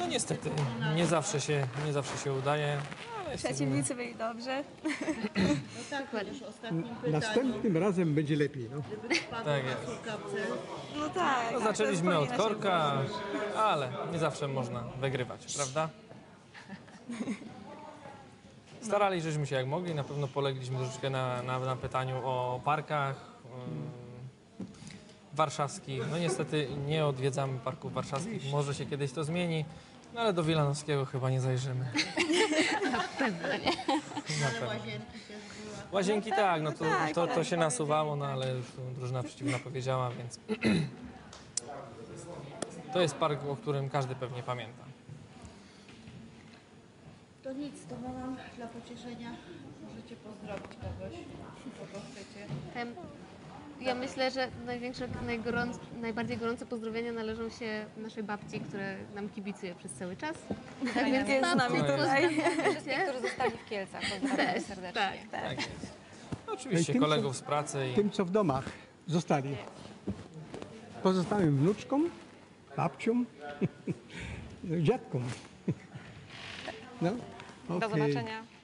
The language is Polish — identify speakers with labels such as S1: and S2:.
S1: No niestety, nie zawsze się udaje. Ale jesteśmy-
S2: Przeciwnicy byli dobrze.
S3: No tak, chociaż ostatnim pytaniem.
S4: Następnym razem będzie lepiej. No.
S3: Gdyby wpadł
S1: Tak
S3: na
S1: jest.
S3: słuchawce,
S2: No tak.
S1: No,
S2: to
S1: zaczęliśmy od
S2: powinno się
S1: korka, ale nie zawsze można wygrywać, prawda? Staraliśmy się jak mogli, na pewno polegliśmy troszeczkę na pytaniu o parkach warszawskich. No niestety nie odwiedzamy parków warszawskich, może się kiedyś to zmieni, no ale do Wilanowskiego chyba nie zajrzymy.
S3: ale łazienki też była.
S1: Łazienki tak, no to się nasuwało, no ale już tu drużyna przeciwna powiedziała, więc to jest park, o którym każdy pewnie pamięta.
S3: To nic, to mam dla pocieszenia. Możecie pozdrowić kogoś, kogo chcecie.
S5: Ja myślę, że najbardziej gorące pozdrowienia należą się naszej babci, która nam kibicuje przez cały czas. Tak więc
S2: Jest z nami tutaj.
S6: Wszystkich, którzy zostali w Kielcach. Pozdrawiam serdecznie.
S1: Tak jest. Oczywiście
S4: Tym, co-
S1: kolegów z pracy i
S4: Tym, co w domach zostali. Pozostałym wnuczkom, babciom, dziadkom. No,
S6: Do
S4: okej.
S6: zobaczenia.